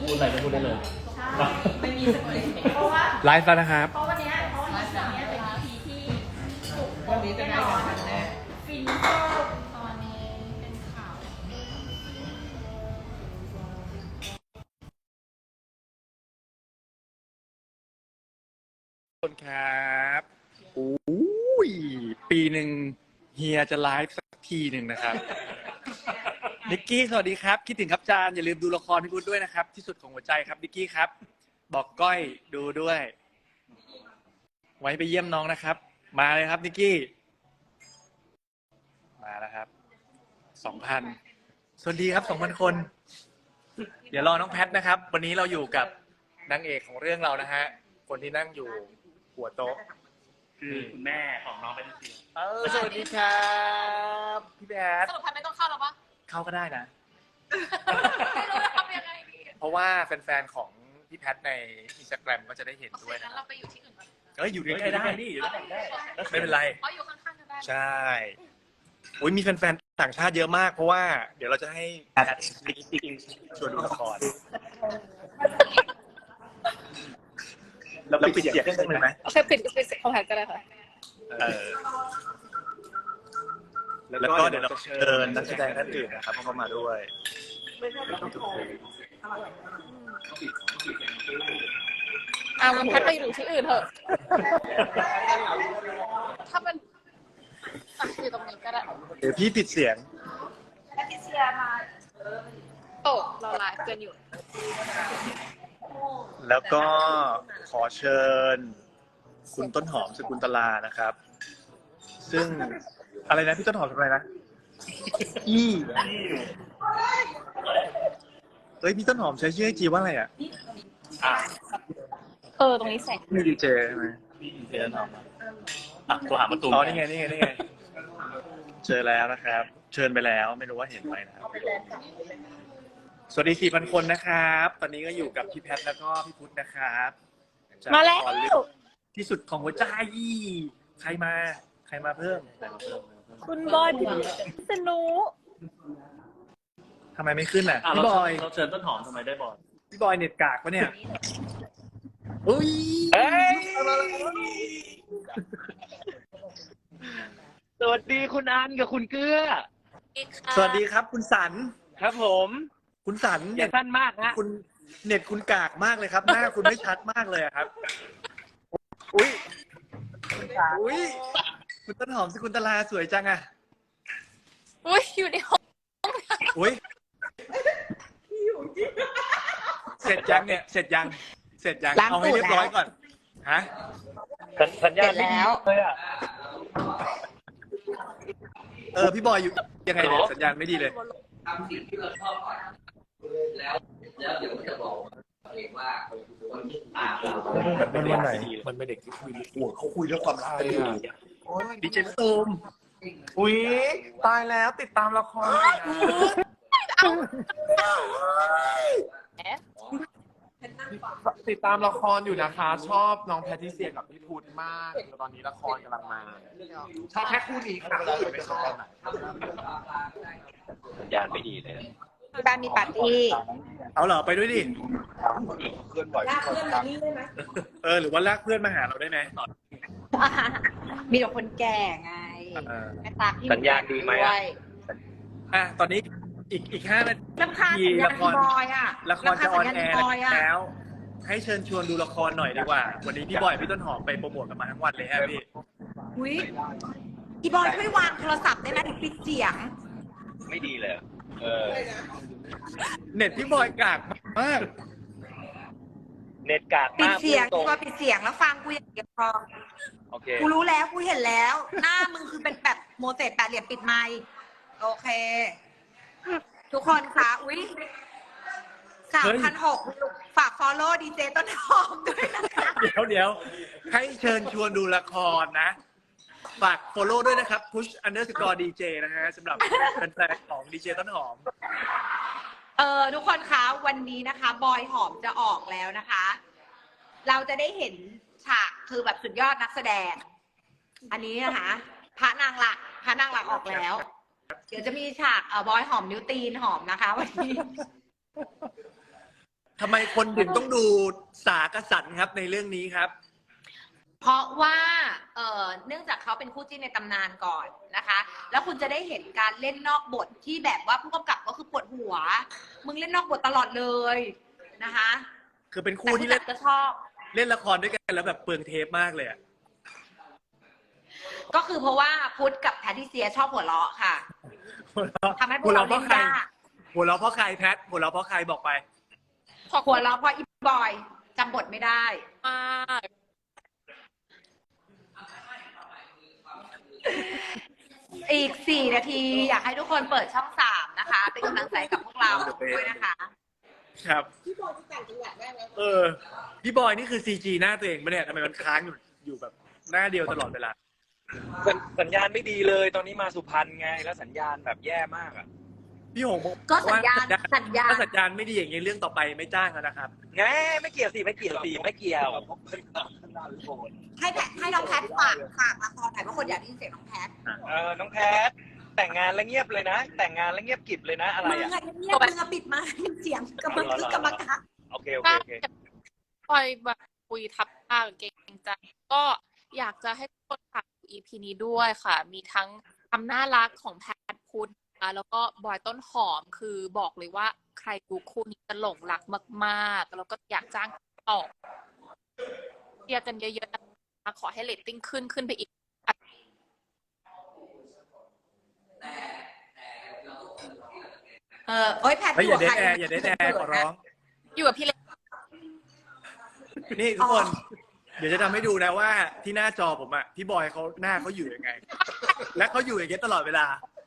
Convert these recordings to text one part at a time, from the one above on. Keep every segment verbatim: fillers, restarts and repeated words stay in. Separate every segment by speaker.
Speaker 1: พูดอะไรก็พูดได้เลย
Speaker 2: ไม่มีสคริปต์เพราะว่า
Speaker 3: ไลฟ์แล้วนะครับ
Speaker 2: เพราะวันนี้เพราะวันนี้เป็น อี พี ที่ถูก
Speaker 4: วันนี้จะได้กันครั้งแรก
Speaker 2: ฟินเตอร์ตอนนี้เป็นข่าว
Speaker 3: ทุกคนครับอุ้ยปีหนึ่งเฮียจะไลฟ์สักทีหนึ่งนะครับ นิกกี้สวัสดีครับคิดถึงครับจานอย่าลืมดูละครพี่พุทธด้วยนะครับที่สุดของหัวใจครับนิกกี้ครับบอกก้อยดูด้วย ไว้ไปเยี่ยมน้องนะครับมาเลยครับนิกกี้มาแล้วครับสองพันสวัสดีครับสองพันคนเดี๋ยวรอน้องแพทนะครับ วันนี้เราอยู่กับนางเอกของเรื่องเรานะฮะคนที่นั่งอยู่หัวโต๊ะ
Speaker 1: คือคุณแม่ของน้องเป็นเสียง
Speaker 3: เออสวัสดีครับพี่แพท
Speaker 2: สรุปพันไม่ต้องเข้าแล้วปะ
Speaker 3: เข้าก็ได้นะ
Speaker 2: ไม่รู้จะทำยังไงดี
Speaker 3: เพราะว่าแฟนๆของพี่แพทในอินสตาแกรมก็จะได้เห็นด้วยนะ
Speaker 2: เราไปอยู่ที่อื่นก่อน
Speaker 3: เอ้ยอยู่ใกล้ๆได้นี่อยู่ใกล้ๆได้ไม่เป็นไร
Speaker 2: อ๋ออยู่ข้างๆกันได้
Speaker 3: ใช่โอ้ยมีแฟนๆต่างชาติเยอะมากเพราะว่าเดี๋ยวเราจะให้แพทชวนดูละครเราปิดเสียงเครื่องเลยไหม
Speaker 2: โอเคปิดปิดของแพทก็ได้ค่ะ
Speaker 3: เออแล้วก็เดี๋ยวเราเชิญนักแสดงท่านอื่นนะครับเข้ามาด้วย
Speaker 2: อ่ามันแพทไปอยู่ที่อื่นเถอะถ้ามันอ่ะอยู่ตรงนี้ก็ได้
Speaker 3: เดี๋ยวพี่ปิดเสียง
Speaker 2: แพทริเซียมาโอ้เราไลฟ์กันอยู่
Speaker 3: แล้วก็ขอเชิญคุณต้นหอมสกุลตลานะครับซึ่งอะไรนะพี่ต้นหอมทำอะไรนะอีเฮ้ยพี่ต้นหอมใช้ชื่อไอจีว่าอะไรอ่ะ
Speaker 2: เออตรงนี้แสง
Speaker 3: มีดีเจใช่ไหม
Speaker 1: พี่เสียงน้องอ่ะตัวหาประตู
Speaker 3: อ๋อนี่ไงนี่ไงนี่ไงเจอแล้วนะครับเชิญไปแล้วไม่รู้ว่าเห็นไหมนะครับสวัสดี สี่พัน คนนะครับตอนนี้ก็อยู่กับพี่แพทแล้วก็พี่พุทธนะครับ
Speaker 2: มาแล้ว
Speaker 3: ที่สุดของหัวใจใครมาใครมาเพิ่ม
Speaker 2: คุณบอยพิษณุ
Speaker 3: ทำไมไม่ขึ้นอ่ะพี่บอย
Speaker 1: เราเชิญต้นหอมทำไมได้บอย
Speaker 3: พี่บอยเน็ตกากปะเนี่ยอุ้ย
Speaker 1: สวัสดีคุณอันกับคุณเกื้อ
Speaker 3: สวัสดีครับคุณสัน
Speaker 1: ครับผม
Speaker 3: คุณสัน
Speaker 1: เน็ตสั้นมากฮะ
Speaker 3: คุณเน็ตคุณกากมากเลยครับหน้าคุณไม่ชัดมากเลยครับอุ้ยอุ้ยคุณต้นหอมสกุลตลาสวยจังอ่ะ
Speaker 2: อุ้ยอยู่ในห้อง
Speaker 3: อุ้ยเสร็จยังเนี่ยเสร็จยังเสร็จยังเอาให้เรียบร้อยก่อนฮะ
Speaker 1: สัญญาณแล้วเลยอ่ะ
Speaker 3: เออพี่บอยอยู่ยังไงเนี่ยสัญญาณไม่ดีเลย
Speaker 5: ทำสิ่งที่เราชอบก่อนแล้วแล้วเดี๋ยวจะบอกเองว่าคนที่ตามเรา
Speaker 3: มันวันไหนมันเป็นเด็กที่คุยหัวเขาคุยเรื่องความรักกันอยู่ดิเจตูม
Speaker 4: อุ๊ยตายแล้วติดตามละครติดตามละครอยู่นะคะชอบน้องแพทริเซียกับพี่พุทธมากตอนนี้ละครกำลังมาชอบแค่คู่นี้ค่ะไม่ชอบ
Speaker 1: สัญญาณไม่ดีเลย
Speaker 2: ที่บ้านมีปาร์ตี้
Speaker 3: เอาเหรอไปด้วยดิ
Speaker 4: เพื่อนบ่อยลากเพื่อนมานี่ได้ไหม
Speaker 3: เออหรือว่าลากเพื่อนมาหาเราได้ไหม
Speaker 2: มีแต่คนแก่ไงแม่ตา
Speaker 1: สัญญาณดีไหม
Speaker 3: อ่ะตอนนี้อีกอีกห้านาทีละครละครจะออนแอร์แล้วให้เชิญชวนดูละครหน่อยดีกว่าวันนี้พี่บอยพี่ต้นหอมไปโปรโมทกันมาทั้งวันเลยฮะพี่
Speaker 2: อุ้ยพี่บอยช่วยวางโทรศัพท์ได้ไหมถึงปิดเสียง
Speaker 1: ไม่ดีเลยเออ
Speaker 3: เน็ตพี่บอยกากมาก
Speaker 1: เน็ตกาก
Speaker 2: ปิดเสียงพี่บอยปิดเสียงแล้วฟังกูอย่างเดียวพอ
Speaker 1: โอเค
Speaker 2: กูรู้แล้วกูเห็นแล้วหน้ามึงคือเป็นแบบโมเสสแปดเหลี่ยมปิดไมค์โอเคทุกคนคะอุ้ยสามพันหกฝากฟอลโล่ดีเจต้นหอมด้วยนะคะ
Speaker 3: เดี๋ยวเดี๋ยวให้เชิญชวนดูละครนะฝาก follow ด้วยนะครับ push underscore dj นะฮะสำหรับแฟนๆของดีเจต้นหอม
Speaker 2: เออทุกคนคะวันนี้นะคะบอยหอมจะออกแล้วนะคะเราจะได้เห็นฉากคือแบบสุดยอดนักแสดงอันนี้นะคะพระนางหลักพระนางหลักออกแล้วเดี๋ยวจะมีฉากเออบอยหอมนิ้วตีนหอมนะคะวันนี้
Speaker 3: ทำไมคนถึงต้องดูสากสันครับในเรื่องนี้ครับ
Speaker 2: เพราะว่าเอ่อเนื่องจากเขาเป็นคู่จิ้นในตำนานก่อนนะคะ แล้วคุณจะได้เห็นการเล่นนอกบทที่แบบว่าผู้กำกับก็คือปวดหัว มึงเล่นนอกบทตลอดเลยนะคะ
Speaker 3: คือเป็น
Speaker 2: แต่
Speaker 3: คู่
Speaker 2: ผู้
Speaker 3: ที่
Speaker 2: จั
Speaker 3: เล่
Speaker 2: ด
Speaker 3: น
Speaker 2: ก็ชอบ
Speaker 3: เล่นละครด้วยกันแล้วแบบเปลืองเทปมากเลยอะ
Speaker 2: ก็คือเพราะว่าพุทธกับแพทริเซียชอบหัวเราะค่ะ
Speaker 3: หัวเราะ
Speaker 2: ทำให้พวกเรา
Speaker 3: หัวเราะเพ
Speaker 2: เล่
Speaker 3: ราะ
Speaker 2: น
Speaker 3: ใคร
Speaker 2: ยาก
Speaker 3: หัวเราะเพราะใครแพทหัวเราะเพราะใครบอกไป
Speaker 2: หัวเราะเพราะอีบอยจำบทไม่ได้
Speaker 6: มาก
Speaker 2: อีกสี่นาทีอยากให้ทุกคนเปิดช่องสามนะคะ เป็นกำลังใจกับพวกเราด้วยนะคะ
Speaker 3: ครับพี่บอยจะแต่งจังหวัดได้ไหมเออพี่บอยนี่คือซีจีหน้าตัวเองปะเนี่ยทำไมมันค้างอยู่อยู่แบบหน้าเดียวตลอดเวลา
Speaker 1: สัญสัญญาณไม่ดีเลย ตอนนี้มาสุพรรณไง แล้วสัญญาณแบบแย่มากอ่ะ
Speaker 3: พี่หงบอก
Speaker 2: ก็สัญญาณ
Speaker 3: ว่
Speaker 2: สัญญาณ
Speaker 3: ถ้าสัญญาณไม่ดีอย่างนี้เรื่องต่อไปไม่จ้างแล้วนะครับ
Speaker 1: แงไม่เกี่ยวสิไม่เกี่ยวสิไม่เกี่ยว
Speaker 2: ให้แพทให้น้องแพทฝากฝากละครหน่อยเพราะคนอยากได้ยินเสียงน้องแพท
Speaker 1: เออน้องแพทแต่งงานแล้วเงียบเลยนะ แต่งงานแล้วเงียบกริบเลยนะอะไร
Speaker 2: มึง
Speaker 1: อ่ะ
Speaker 2: อะเงียบมึงอะปิดมาเสียงกำลังกึกกำลังกัก
Speaker 1: โอเคโอเคโอเค
Speaker 6: ปล่อยแบบคุยทับทางเก่งใจก็อยากจะให้ทุกคนฝาก อี พี นี้ด้วยค่ะ มีทั้งความน่ารักของแพทพุทธนะคะแล้วก็บอยต้นหอมคือบอกเลยว่าใครดูคู่นี้จะหลงรักมากๆ แล้วก็อยากจ้างต่อเชียร์กันเยอะๆนะคะขอให้เรตติ้งขึ้นขึ้นไปอีก
Speaker 2: เออโอ๊ยแพท
Speaker 3: เฮ้ยอย่าเด
Speaker 2: ใค
Speaker 3: ทแอร์อย่าเดทแอร์ขอร้อง
Speaker 6: อยู่กับพี่เล็ก
Speaker 3: นี่ทุกคน เดี๋ยวจะทำให้ดูนะว่าที่หน้าจอผมอะพี่บอยเขาหน้าเขาอยู่ยังไง และเขาอยู่อย่างเงี้ยตลอดเวลา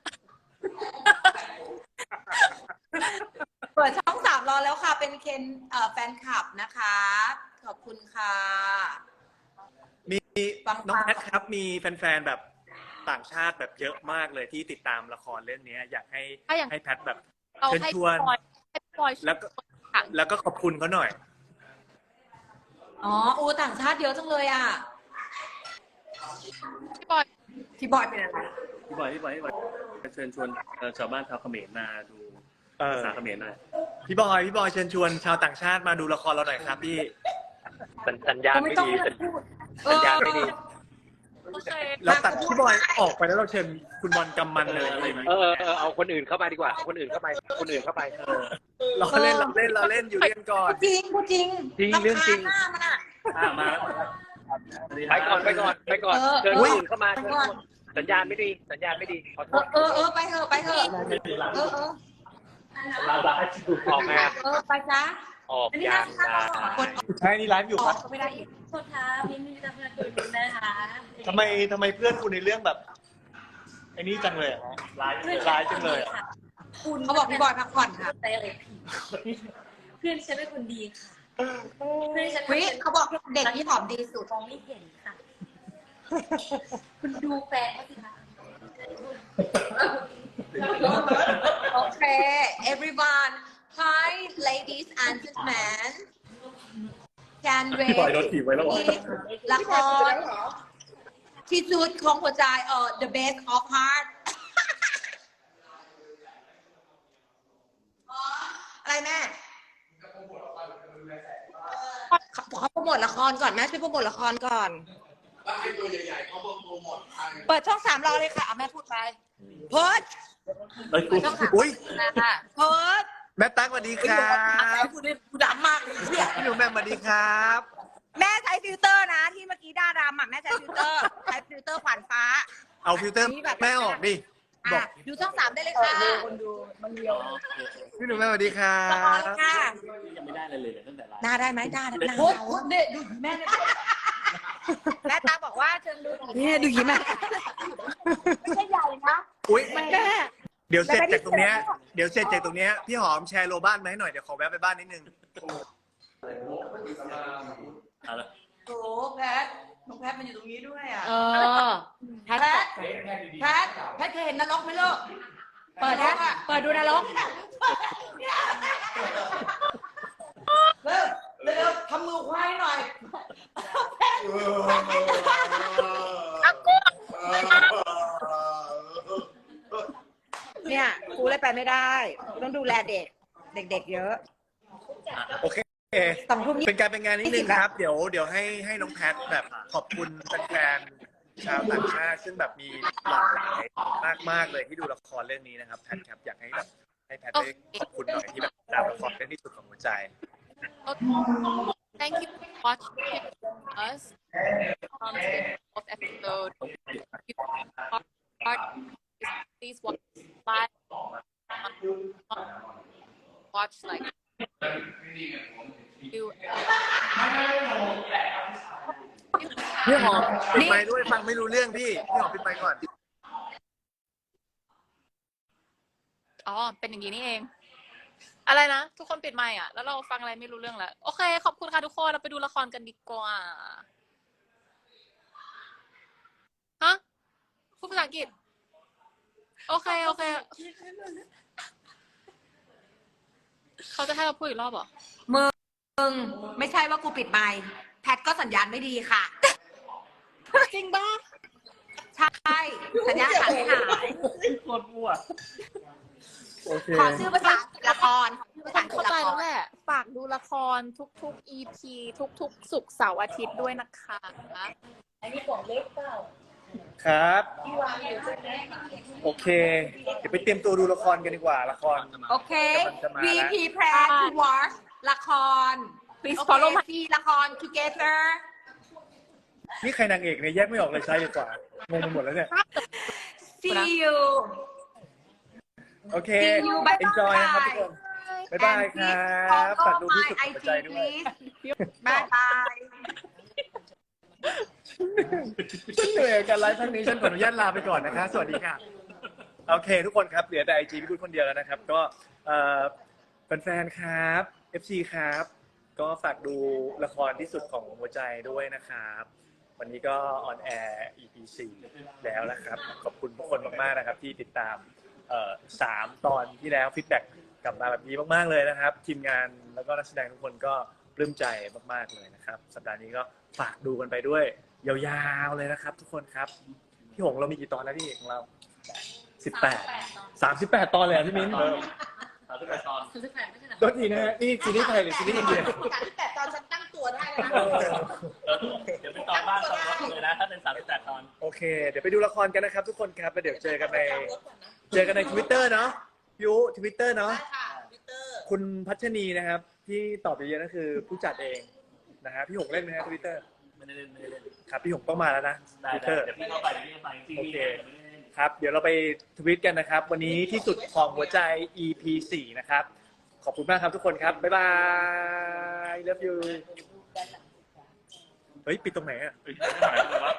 Speaker 2: เปิดช่องสามรอแล้วค่ะ เป็นเคนเอ่อแฟนคลับนะคะ ขอบคุณค่ะ
Speaker 3: มี
Speaker 2: ฟัง
Speaker 3: น้อง
Speaker 2: ฟัง
Speaker 3: แพทครับมีแฟนๆแบบต่างชาติแบบเยอะมากเลยที่ติดตามละครเรื่องนี้อยากให้
Speaker 6: ถ้าอย่าง
Speaker 3: ให้แพทแบบ
Speaker 6: เรา
Speaker 3: เชิญ
Speaker 6: ให้
Speaker 3: ชวน
Speaker 6: บอยให้บอย
Speaker 3: แล้วก็
Speaker 6: ค่ะ
Speaker 3: แล้วก็ขอบคุณเขาหน่อย
Speaker 2: อ๋ออูต่างชาติเยอะจังเลยอ่ะ
Speaker 6: พี่บอย
Speaker 2: พี่บอยเป็นอะไร
Speaker 7: พี่บอยพี่บอยพี่บอยเชิญชวนเอ่อชาวบ้านชาวเขมรมาดู
Speaker 3: เออ
Speaker 7: ภาษาเขมรหน่อย
Speaker 3: พี่บอยพี่บอยเชิญชวนชาวต่างชาติมาดูละครเราหน่อยครับพี่
Speaker 1: สัญสัญญาณ
Speaker 2: ไม่
Speaker 1: ไม่
Speaker 2: ต้อง
Speaker 1: ดี
Speaker 2: พูด
Speaker 1: สัญญาณไม่ดี
Speaker 6: โอเค
Speaker 3: เราตัดพี่บอยออกไปแล้วเราเชิญคุณบอลกำมันเลยอะไรไหม
Speaker 1: เออเออเอาคนอื่นเข้ามาดีกว่าเอาคนอื่นเข้าไปคนอื่นเข้าไปเออ
Speaker 3: เราเล่นเราเล่นเราเล่นอยู่เรียนก่อน
Speaker 2: จริงพูดจริง
Speaker 1: จริงเรื่องจริง
Speaker 2: ำคาญหน้ามันอ่ะ
Speaker 7: อ่ามาแล้ว
Speaker 1: ไปก่อนไปก่อนไปก่อน
Speaker 2: เออ
Speaker 1: เชิญ
Speaker 2: เอ
Speaker 1: คน
Speaker 2: อ
Speaker 1: อื่นเข้ามา
Speaker 2: ไป
Speaker 1: เชิญ
Speaker 2: ก่อน
Speaker 1: สัญญาณไม่ดี สัญญาณไม่ดีขอโท
Speaker 2: เออ
Speaker 1: ษ
Speaker 2: เออเออไปเถอะไปเถอะเออเออ
Speaker 7: ลาบาให้ดู
Speaker 1: ออกมา
Speaker 2: เออไปจ้า
Speaker 1: ออก
Speaker 2: อันนี้
Speaker 1: ยา
Speaker 2: น่าง จะฆ่า
Speaker 1: นะ
Speaker 2: คน
Speaker 3: ใช่นี่ไลฟ์อยู่
Speaker 2: อ
Speaker 3: ค
Speaker 2: อ
Speaker 3: รั
Speaker 2: ก
Speaker 3: บ
Speaker 2: ก็ไม่ได้อีก
Speaker 8: โทษค่ะมินมีตำรวจตัวจริงนะคะ
Speaker 3: ทำไมทำไมเพื่อนคุณในเรื่องแบบไอ้นี่จังเลยอะร้ายร้ายจังเลยอะ
Speaker 8: คุณ
Speaker 2: เขาบอกพี่บอยพักผ่อนค่ะ
Speaker 8: แต่อะไรผิดเพื่อนฉันเป็นคนดีค่ะเพื่อนฉัน
Speaker 2: วิเขาบอกเด็กที่ผอมดีสุด
Speaker 8: มองไม่เห็นค่ะ คุณดูแฟนเขาสิคะ
Speaker 2: โอเค everyone hi ladies and gentlemen can
Speaker 3: พี่บอยโดน
Speaker 2: wait
Speaker 3: ถีบไว้แล้วเหรอ
Speaker 2: ละครที่สุดของหัวใจเออ the best of heart อะไรแม่เขาเขาโปรโมทละครก่อนแม่ช่วยโปรโมทละครก่อนเปิดช่องสามรอเลยค่ะเอาแม่พูดไปเพิร์ด
Speaker 3: เอ้ย
Speaker 2: ช่องสาม
Speaker 3: อุ้ย
Speaker 2: ค่ะเพิร์ด
Speaker 3: แม่ตั๊กสวัสดีครับ
Speaker 2: พูดได้พูดดำมากเลยเนี่ย
Speaker 3: พี่หนูแม่สวัสดีครับ
Speaker 2: แม่ใช้ฟิลเตอร์นะ ที่เมื่อกี้ด้าดำอ่ะแม่ใช้ฟิลเตอร์ใช้ฟิลเตอร์ขวานฟ้า
Speaker 3: เอาฟิลเตอร์แม่ออกดิบอ
Speaker 2: อ่ะ
Speaker 3: ก
Speaker 2: ดูช่องสามได้เลยค่ะ
Speaker 3: พี่หนูแม่สวัสดีครั
Speaker 2: ละคร
Speaker 3: บ
Speaker 2: ค่ะ
Speaker 7: ยังไม่ได้เลยเลยตั้งแต่ไลฟ์
Speaker 2: หน้าได้ไหมหน้าหน้าเราเนี่ยดูแม่แม่ตาบอกว่าเชิญดูนี่ดูยิ้มแม่ไม่ใช่ใหญ่นะ
Speaker 3: อุ้ย
Speaker 2: แม่
Speaker 3: เดี๋ยวเสร็จจากตรงเนี้ยเดี๋ยวเสร็จจากตรงเนี้ยพี่หอมแชร์โลบ้านมาให้หน่อยเดี๋ยวขอแวะไปบ้านนิดนึง
Speaker 7: เอาละ
Speaker 2: โอ้แพทน้องแพทมันอยู่ตรงนี้ด้วยอ่ะ
Speaker 6: เออ
Speaker 2: แพทแพทแพทเคยเห็นนรกไหมลูกเปิดนะเปิดดูนรกเร็วเร็วทำมือควายหน่อยเนี่ยกูเลยไปไม่ได้กูต้องดูแลเด็ก เด็กๆเยอะ
Speaker 3: โอเค
Speaker 2: สองทุ่มยี่
Speaker 3: เป็นการเป็นงานนิดนึงครับ เดี๋ยวเดี๋ยวให้ให้น้องแพทแบบขอบคุณแฟนๆชาวต่างชาติซึ่งแบบมีหลากหลายมากมากๆเลยที่ดูละครเรื่องนี้นะครับแพทครับอยากให้แบบให้แพทได้ขอบคุณหน่อยที่แบบตามละครเรื่องที่สุดของหัวใจ
Speaker 6: Thank you for watching us on the fourth episode. If you are part, please watch live. Watch like you.
Speaker 3: พี่หอมปิดไมค์ด้วยฟังไม่รู้เรื่องพี่พี่หอมปิดไมค์ก่อน
Speaker 6: อ๋อ เป็นอย่างนี้นี่เอง อะไรนะ ทุกคนปิดไมค์อ่ะ แล้วเราฟังอะไรไม่รู้เรื่องแล้ว โอเค ขอบคุณค่ะทุกคน เราไปดูละครกันดีกว่า ฮะ พูดภาษาอังกฤษ โอเค โอเค เขาจะให้เราพูดอีกรอบเหรอ
Speaker 2: มึงไม่ใช่ว่ากูปิดไมค์แพทก็สัญญาณไม่ดีค่ะ
Speaker 6: จริงป่ะ
Speaker 2: ใช่ สัญญาณขาดหาย
Speaker 7: โคตรมั่ว
Speaker 3: โอเค
Speaker 2: ขอชื่อภาษาละครขอชื่อภาษา
Speaker 6: เข้า
Speaker 2: ละ
Speaker 6: ใจ
Speaker 2: ค
Speaker 6: แล้ว
Speaker 2: ร
Speaker 6: แหละ ฝากดูละครทุกๆ อี พี ทุกๆ ศุกร์เสาร์อาทิตย์ด้วยนะคะ
Speaker 8: อันนี้บอกเล็กเปล่า
Speaker 3: ครับ
Speaker 8: ที่วางอยู่ใช่ไหม
Speaker 3: โอเค เดี๋ยวไปเตรียมตัวดูละครกันดีกว่าละคร
Speaker 2: โอเค
Speaker 3: กำลังจะมา
Speaker 2: วี
Speaker 3: แล้ว
Speaker 2: พี plan to watch ละคร
Speaker 6: Please
Speaker 2: โอเค
Speaker 6: follow my
Speaker 2: ซีละคร together
Speaker 3: นี่ใครนางเอกเนี่ยแยกไม่ออกเลยใช่ดีกว่างงไปหมดแล้วเนี่ย
Speaker 2: see you
Speaker 3: โอเค
Speaker 2: see you bye
Speaker 3: enjoy นะครับทุกคน บ๊ายบายครับ
Speaker 2: And please
Speaker 3: ฝากดู
Speaker 2: follow
Speaker 3: ที่
Speaker 2: my
Speaker 3: สุดหัวใจ
Speaker 2: ไอ จี
Speaker 3: ด้วย
Speaker 2: please บายบาย
Speaker 3: ฉันเหนื่อยกับการไลฟ์ครั้งนี้ฉันขออนุญาตลาไปก่อนนะคะ สวัสดีค่ะ โอเค ทุกคนครับ เหลือแต่ไอจีพี่พูดคนเดียวแล้วนะครับ ก็เอ่อแฟนๆครับ เอฟ ซี ครับ ก็ฝากดูละครที่สุดของหัวใจด้วยนะครับ วันนี้ก็ออนแอร์ อี พี สี่ แล้วนะครับ ขอบคุณทุกคนมากๆนะครับ ที่ติดตามเอ่อสามตอนที่แล้วฟีดแบ็กกลับมาแบบนี้มากๆเลยนะครับ ทีมงานแล้วก็นักแสดงทุกคนก็ปลื้มใจมากๆเลยนะครับ สัปดาห์นี้ก็ฝากดูกันไปด้วย ยาวๆเลยนะครับ ทุกคนครับพี่หงเรามีกี่ตอนแล้วพี่ของเราสิบแปดสามสิบแปดตอนเลยอ่ะพี่มิ้น
Speaker 7: สามสิบแปดตอน
Speaker 8: คือแฟนไม่ใช่เหรอ
Speaker 3: ต้นทีนะฮะนี่ซีรีส์ไทยหรือซีรีส์อินเดีย
Speaker 8: การที่แปดตอนฉันตั้งตัวได้แล้วนะ
Speaker 7: เดี๋ยวเป็นตอนบ้านตอนรถเลยนะ ถ้าเป็นสามสิบแปดตอน
Speaker 3: โอเค เดี๋ยวไปดูละครกันนะครับ ทุกคนครับแล้วเดี๋ยวเจอกันในเจอกันใน Twitter เนาะยูทวิตเตอร์เนาะ
Speaker 8: ได้ค่ะทวิตเตอร์
Speaker 3: คุณพัชนีนะครับ ที่ตอบเยอะๆนั่นคือผู้จัดเองนะฮะพี่หงเล่นไหมฮะทวิตเตอร์
Speaker 7: ไม่ได้เล่นไม่ได้เล่น
Speaker 3: ครับพี่หงต้องมาแล้วนะท
Speaker 7: ได้
Speaker 3: วิต
Speaker 7: ได้
Speaker 3: เตอร์
Speaker 7: เดี๋ยวพี่เข้าไปเดี๋ยวพี่เข้าไปจริงๆ
Speaker 3: โอเค
Speaker 7: ไม่ได้เล่น
Speaker 3: ครับ เดี๋ยวเราไปทวิตกันนะครับ วันนี้ที่สุดของหัวใจ อี พี สี่ นะครับ ขอบคุณมากครับทุกคนครับ บ๊ายบาย love you เฮ้ย ปิดตรงไหนอ่ะ
Speaker 7: เฮ้ยไม่ไหวแล้ววะ